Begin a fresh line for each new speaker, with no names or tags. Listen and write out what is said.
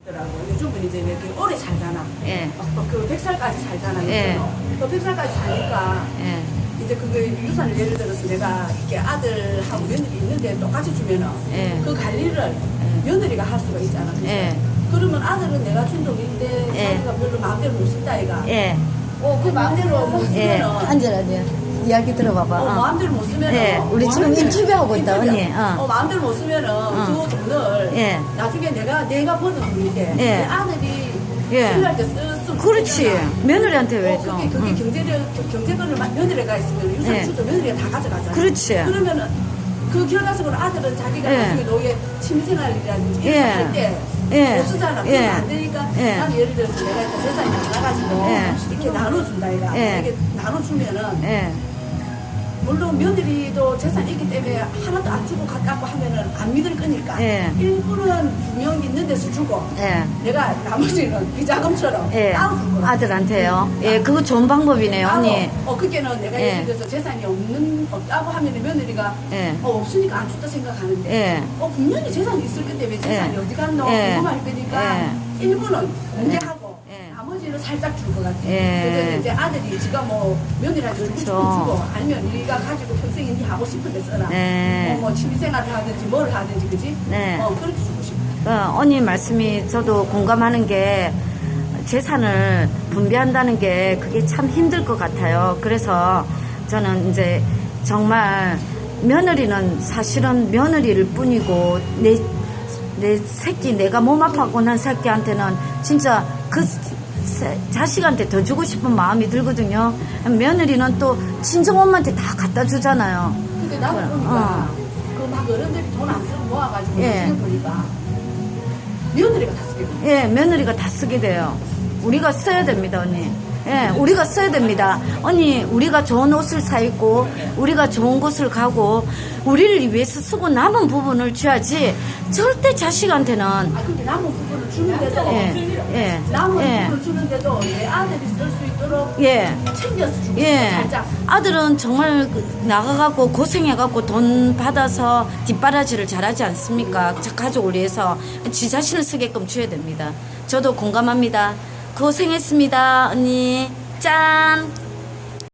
요즘은 이제 이렇게 오래 살잖아.
예.
그 100살까지 살잖아.
예.
그 100살까지 사니까
예.
이제 그거 유산을 예를 들어서 내가 이렇게 아들하고 며느리 있는데 똑같이 주면은
예.
그 관리를 며느리가 할 수가 있잖아. 그치?
예.
그러면 아들은 내가 준 돈인데
예.
자기가 별로 마음대로 못 쓴다 이가.
예.
그 마음대로 못
예.
쓰면은
앉아라, 이야기 들어봐봐.
마음대로 못 쓰면은
예,
우리 지금 인터뷰하고 있다, 언니.
마음대로 못 쓰면은 그 돈을
예.
나중에 내가 버는 돈인데
예.
내 아들이
예.
필요할 때 쓰면
그렇지.
되잖아.
며느리한테 왜 줘?
그게 경제권을 며느리가 있으면 유산
예.
주도 며느리가 다 가져가잖아.
그렇지.
그러면은 그 결과적으로 아들은 자기가
예.
나중에 노예 취미생활이라든지
예.
이런 거할때
예.
못 쓰잖아.
예.
그러면 안 되니까
예.
난 예를 들어서 내가 이렇게 재산이 많아가지고
예.
이렇게 나눠준다 이가.
예.
이렇게 나눠주면은
예.
물론 며느리도 재산이 있기 때문에 하나도 안 주고 갖고 하면은 안 믿을 거니까
예.
일부는 분명 있는 데서 주고
예.
내가 나머지는 비자금처럼
예.
따로 줄 거야.
아들한테요. 예, 그거 좋은 방법이네요, 언니.
그게는 내가
예.
예를 들어서 재산이 없다고 하면 며느리가
예.
없으니까 안 준다 생각하는데
예.
분명히 재산이 있을 건데 왜 재산이
예.
어디 갔노
예.
궁금할 거니까
예.
일부는 공개하고
예.
나머지는 살짝 줄 것 같아.
예.
그래서 이제 아들이 지가 뭐 며느리한테 주고 싶으면
그렇죠.
주고 아니면 네가 가지고 평생에 네 하고 싶은 데 써라.
네.
뭐 취미생활을 하든지 뭘 하든지 그지?
네.
그렇게 주고 싶어.
언니 말씀이 저도 공감하는 게 재산을 분배한다는 게 그게 참 힘들 것 같아요. 그래서 저는 이제 정말 며느리는 사실은 며느리일 뿐이고 내 새끼 내가 몸 아파고 난 새끼한테는 진짜 그 자식한테 더 주고 싶은 마음이 들거든요. 며느리는 또 친정 엄마한테 다 갖다 주잖아요.
근데 나도 보니까 그 막 어른들이 돈 안 쓰고 모아가지고
예.
지금 보니까 며느리가 다 쓰게 돼.
예, 며느리가 다 쓰게 돼요. 우리가 써야 됩니다, 언니. 예, 우리가 써야 됩니다. 언니, 우리가 좋은 옷을 사 입고, 우리가 좋은 곳을 가고, 우리를 위해서 쓰고 남은 부분을 줘야지, 절대 자식한테는,
근데 남은 부분을 주는데도
예,
남은
예.
부분을 주는데도 내 아들이 쓸 수 있도록
예.
챙겨서 주고
예.
살짝.
아들은 정말 나가갖고 고생해갖고 돈 받아서 뒷바라지를 잘하지 않습니까? 가족을 위해서 지 자신을 쓰게끔 줘야 됩니다. 저도 공감합니다. 고생했습니다, 언니. 짠!